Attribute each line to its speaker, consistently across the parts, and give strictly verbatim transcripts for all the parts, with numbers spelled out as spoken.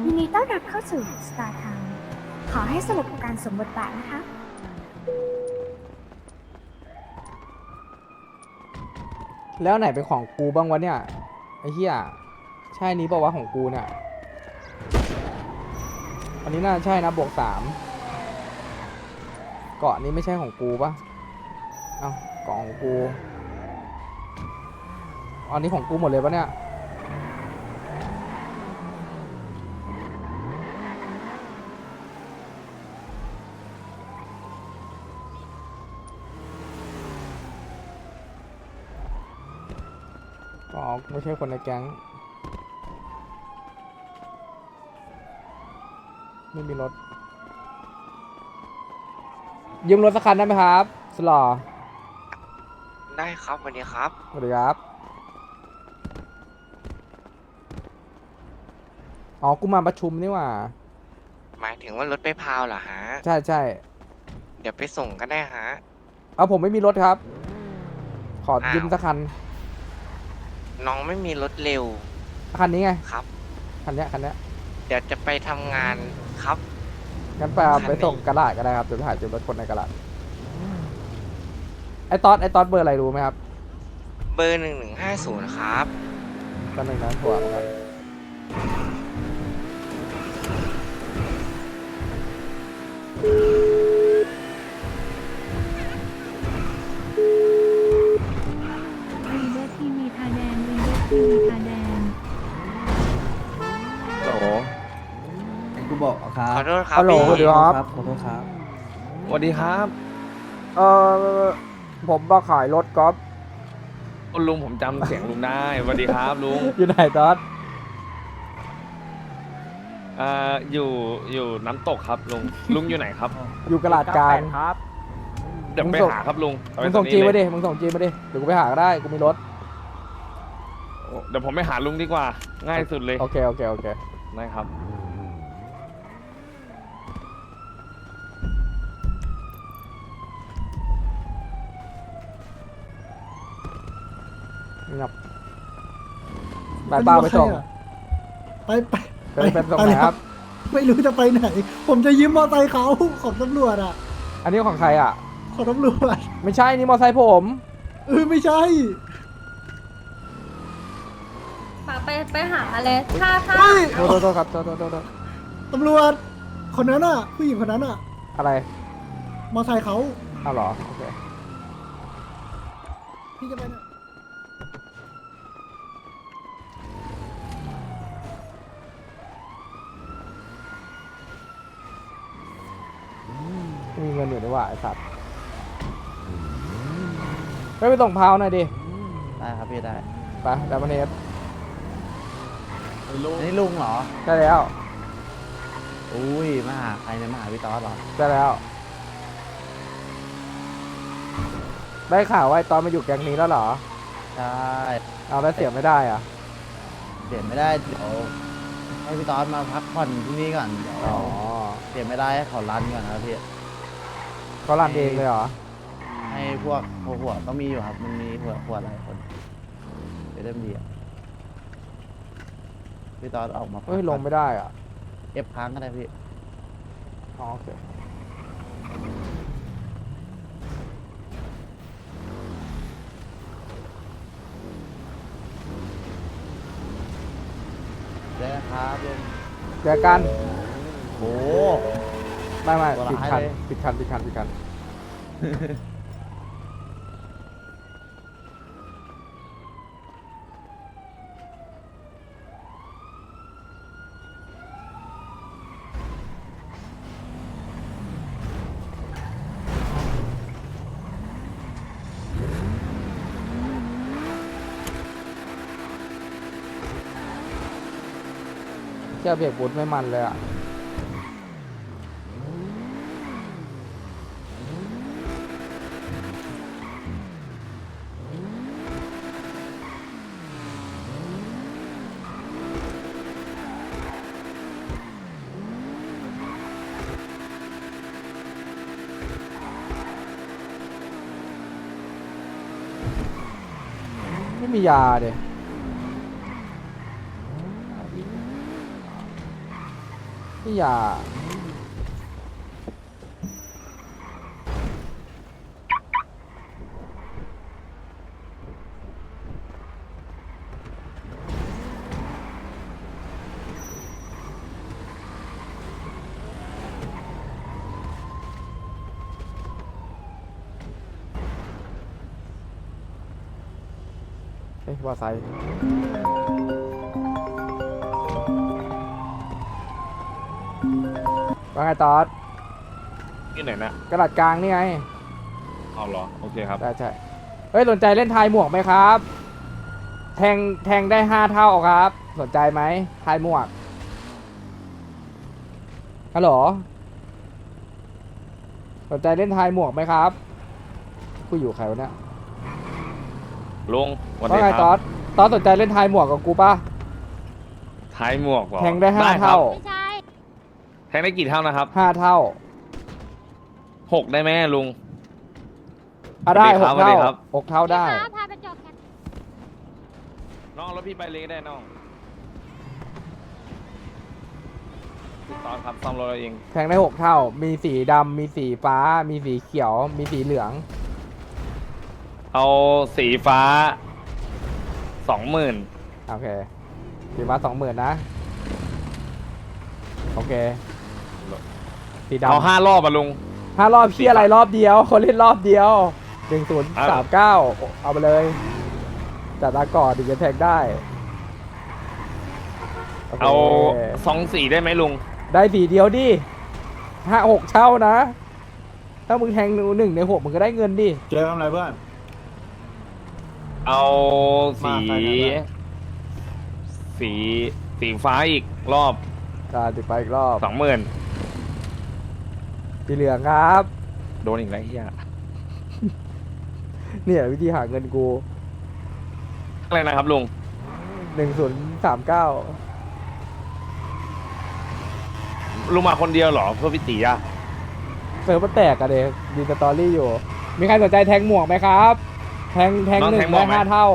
Speaker 1: ยินดีต้อนรับเข้าสู่ Star Town ขอให้สนุกกับการสวมบทบาทนะคะ
Speaker 2: แล้วไหนเป็นของกูบ้างวะเนี่ยไอ้เหี้ยใช่นี้บอกว่าวะของกูเนี่ยอันนี้น่าใช่นะบวกสามเกาะนี้ไม่ใช่ของกูปะเอ้าเกาะของกูอันนี้ของกูหมดเลยปะเนี่ยอ๋อไม่ใช่คนในแก๊งไม่มีรถยืมรถสักคันได้ไหมครับสลอ
Speaker 3: ได้ครับสวัสดีครับ
Speaker 2: สวัสดีครับอ๋อกูมาประชุมนี่หว่า
Speaker 3: หมายถึงว่ารถไปพาวเหรอฮะ
Speaker 2: ใช่ใช่
Speaker 3: เดี๋ยวไปส่งก็ได้ฮะ
Speaker 2: เอาผมไม่มีรถครับ ขอ
Speaker 3: อ้าว
Speaker 2: ยืมสักคัน
Speaker 3: น้องไม่มีรถเร็ว
Speaker 2: คันนี้ไง
Speaker 3: ครับ
Speaker 2: คันเนี้ยคันเนี้ย
Speaker 3: เดี๋ยวจะไปทำงานครับ
Speaker 2: งั้นไปเอา
Speaker 3: คัน
Speaker 2: ไป
Speaker 3: ไหน
Speaker 2: ส่งกระดาษก็ได้ครับเดี๋ยวไปหาจุดรถคนในกระดาษไอ้ตอสไอ้ตอสเบอร์อะไรรู้ไหมครับ
Speaker 3: เบอร์หนึ่งหนึ่งห้าศูนย์ครับ
Speaker 2: ตอนหนึ่งนะถั่วเหมือนกัน
Speaker 4: รีเดอร์ทีวีทาแดงรีเดอร์ทีวีทาแดง
Speaker 5: โหลไอ้กูบอกครั
Speaker 3: ข
Speaker 5: บ
Speaker 3: อโทษครับ
Speaker 2: ฮัลโหล
Speaker 3: พี่
Speaker 2: สวัสดีครับ
Speaker 5: ขอโทษครับ
Speaker 6: สวัสดีครับ
Speaker 2: เออผมมาขายรถกอล์ฟ
Speaker 6: คุณลุงผมจำเสียงลุงได้สวัสดีครับลุง
Speaker 2: อยู่ไหนตอส
Speaker 6: เอ่ออยู่อยู่น้ำตกครับลุงลุงอยู่ไหนครับ
Speaker 2: อยู่กระดาษกลาง
Speaker 6: ครับเดี๋ยว
Speaker 2: มึง
Speaker 6: ไป
Speaker 2: ส่ง
Speaker 6: หาครับลุงเอา
Speaker 2: มึ
Speaker 6: ไว้
Speaker 2: งส่ง
Speaker 6: ตร
Speaker 2: จี
Speaker 6: นี้
Speaker 2: มา
Speaker 6: เล
Speaker 2: ดิ
Speaker 6: ย
Speaker 2: มึงส่งจีมาดิเดี๋ยวกูไปหาก็ได้กูมีรถ
Speaker 6: เดี๋ยวผมไปหาลุงดีกว่า ง่ายสุดเลย
Speaker 2: โอเคโอเคโอเค
Speaker 6: ได้ครับ
Speaker 2: เงียบไปเปล่าไปส่ง
Speaker 7: ไปไป
Speaker 2: ไปเป็นส่งไหนครับ
Speaker 7: ไม่รู้จะไปไหน ผมจะยืมมอเตอร์ไซค์เขาของตำรวจอ่ะ
Speaker 2: อันนี้ของใครอ่ะ
Speaker 7: ของตำรวจ
Speaker 2: ไม่ใช่นี่มอไซค์ผม
Speaker 7: เออไม่ใช่
Speaker 8: ไปไปหาเลยถ้าถ้า
Speaker 7: เฮ้ย
Speaker 2: โทษโทษโทษครับโทษโทษโทษโทษ
Speaker 7: ตำรวจ คนนั้นอ่ะ ผู้หญิงคนนั้นอ่ะ
Speaker 2: อะไร
Speaker 7: มอเตอร์ไซค์เขา
Speaker 2: อ้าวเหรอโอเค
Speaker 7: พี่จะไปไหน
Speaker 2: ไม่มีเงินอยู่ด้วยว่ะไอ้สัตว์ไปไปส่งพาวหน่อยดิ
Speaker 5: ได้ครับพี่ได้
Speaker 2: ไปแล้วมันเนฟ
Speaker 5: อันนี้ลุงเหรอ
Speaker 2: ได้แล้ว
Speaker 5: อุ้ยมาหาใครเนี่ยมาหาพี่ตอสเหรอ
Speaker 2: ได้แล้ว ได้ข่าวว่าไอ้ตอนมาอยู่แก๊งนี้แล้วเหรอ
Speaker 5: ใช่
Speaker 2: เอาแล้วเสียไม่ได้อ่ะ
Speaker 5: เปลี่ยนไม่ได้เดี๋ยวให้พี่ตอสมาพักผ่อนที่นี่ก่อนเดี๋ยว
Speaker 2: อ๋อ
Speaker 5: เปลี่ยนไม่ได้ให้เขารันก่อนนะครับพี่
Speaker 2: เขารันเองเลยเหรอ
Speaker 5: ให้พวกหัวหัวก็มีอยู่ครับ มันมีหัวหัวหลายคนเดี๋ยวเริ่มดีอ่ะพี่ตอสออกมาพัก
Speaker 2: เฮ้ยลงไม่ได้อ่ะ
Speaker 5: เอฟค้างก็ได้พี่
Speaker 2: อ๋อโอเค
Speaker 5: ได้นะครับลุง
Speaker 2: เจอกัน
Speaker 5: โอ้
Speaker 2: ไม่ไม่
Speaker 5: ตัว
Speaker 2: ปิด
Speaker 5: ร้าย
Speaker 2: คัน
Speaker 5: เลย
Speaker 2: ปิดคันปิดคันปิดคันเจ้าเบรกบูทไม่มันเลยอ่ะไม่มียาเดยพี่อย่าเฮ้ยว่าไซค์ว่าไงตอด
Speaker 6: ที่ไหนนะ
Speaker 2: กระดาษกลางนี่ไง
Speaker 6: เอาเหรอ โอเคครับ
Speaker 2: ได้ใช่ เฮ้ย สนใจเล่นทายหมวกไหมครับ แทงแทงได้ห้าเท่าครับ สนใจไหมทายหมวก ฮัลโหล สนใจเล่นทายหมวกไหมครับกูอยู่ใครวะเนี่ย
Speaker 6: ลุงวัน
Speaker 2: ว่า
Speaker 6: นี้
Speaker 2: ไง
Speaker 6: ค
Speaker 2: ต
Speaker 6: รั
Speaker 2: อบ ดตอดสนใจเล่นทายหมวกกับกูปะ
Speaker 6: ท้ายหมวกเหรอ
Speaker 2: แทงได้ห้า
Speaker 6: ครับ
Speaker 2: เท่า
Speaker 6: แทงได้กี่เท่านะครับ
Speaker 2: ห้าเท่า
Speaker 6: หกได้ไหมลุง
Speaker 2: อ่ะได้
Speaker 6: ส
Speaker 2: ห
Speaker 6: วั
Speaker 2: ก
Speaker 6: สดี
Speaker 2: เท่า
Speaker 6: ครับ
Speaker 2: หกเท่าได้
Speaker 1: พาไปจอดกัน
Speaker 6: น้องรถพี่ไปเลยก็ได้น้องติดตอนครับซ่อมรถเราเอง
Speaker 2: แทงได้หกเท่า มีสีดำ มีสีฟ้า มีสีเขียว มีสีเหลือง
Speaker 6: เอาสีฟ้าสองหมื่น
Speaker 2: โอเค สีฟ้าสองหมื่นนะ โอเค สีดำ
Speaker 6: เอาห้ารอบอะลุง
Speaker 2: ห้ารอบเพี้ยอะไรรอบเดียวคนเล่นรอบเดียวหนึ่งศูนย์สามเก้าเอาไปเลยจัดตาก่อนถึงจะแทงได้โค
Speaker 6: เอาสองสีได้ไหมลุง
Speaker 2: ได้สีเดียวดิห้าหกเช่านะ ถ้ามึงแทงหนึ่งในหกมึงก็ได้เงินดิ
Speaker 7: เจอทำอะไรเพื่อน
Speaker 6: เอาสี
Speaker 7: มาใครเนี่ย
Speaker 6: สีสีฟ้าอีกรอบ
Speaker 2: การติดไปอีกรอบ
Speaker 6: สองหมื่น
Speaker 2: สีเหลืองครับ
Speaker 6: โดนอีกแล้วเฮีย
Speaker 2: เนี่ยวิธีหาเงินกู
Speaker 6: อะไรนะครับลุง
Speaker 2: หนึ่งศูนย์สามเก้า
Speaker 6: ลุงมาคนเดียวเหรอเพื่อพี่ตีอะ
Speaker 2: เซิร์ฟมันแตกอะเด็กดีสตอรี่อยู่ มีใครสนใจแทงหมวกไหมครับ แทงแทงหนึ่งได้ห้าเท่า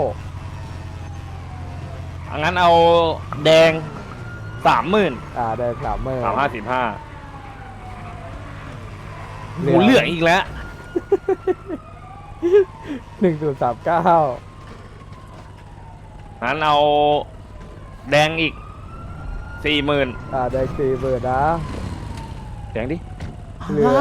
Speaker 6: อังั้นเอาแดงสามหมื่น
Speaker 2: อ่าได้สามหมื่น
Speaker 6: สามห้าสิบห้าหมูเหลืองอีกแล้ว
Speaker 2: หนึ่งศูนย์สามเก้า
Speaker 6: งั้นเอาแดงอีกสี่หมื่น
Speaker 2: อ่าได้สี่หมื่นนะ
Speaker 6: แดงดิ
Speaker 2: เหลือง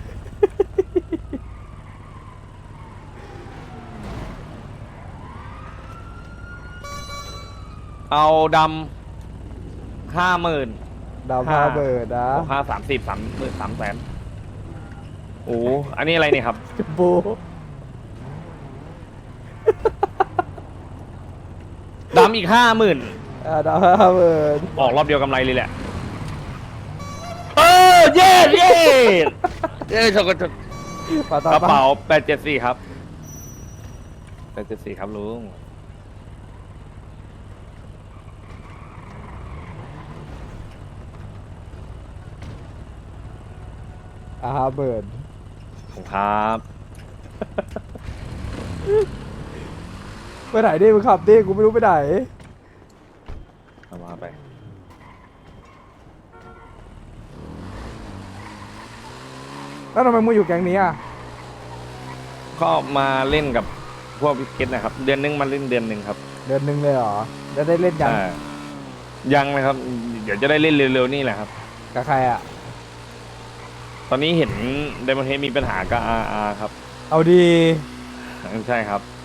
Speaker 6: เอาดำห้าหมื่น
Speaker 2: ดาวห้าหมื่นนะ
Speaker 6: ห้าสามสิบสามหมื่นสามแสนโอ้อันนี้อะไรเนี่ยครับ
Speaker 2: จบู
Speaker 6: ดำอีกห้าหมื่น
Speaker 2: อ่าดาวห้าหมื่น
Speaker 6: ออกรอบเดียวกำไรเลยแหละ เออเย้เย้เย้ชกชก
Speaker 2: ปากต่อก
Speaker 6: ระ
Speaker 2: ปา
Speaker 6: เป๋าแปดเจ็ดสี่ครับแปดเจ็ดสี่ครับลุง
Speaker 2: อ่าห้าหมื่น
Speaker 6: ผมครับ
Speaker 2: ไปไหนดิมึงขับดิกูไม่รู้ไปไหน
Speaker 6: เอามาไป
Speaker 2: แล้วทำไมมึงอยู่แก๊งนี้อ่ะ
Speaker 6: ก็มาเล่นกับพวกพิเกตนะครับ เดือนหนึงมาเล่นเดือนหนึ่งครับ
Speaker 2: เดือนหนึ่งเลยเหรอจะได้เล่นยัง
Speaker 6: อ่ายังนะครับ เดี๋ยวจะได้เล่นเร็วๆนี่แหละครับ
Speaker 2: กับใครอ่ะ
Speaker 6: ตอนนี้เห็นไดมอนเฮดมีปัญหากับอาอาครับ
Speaker 2: เอาดี
Speaker 6: ใช่ครับ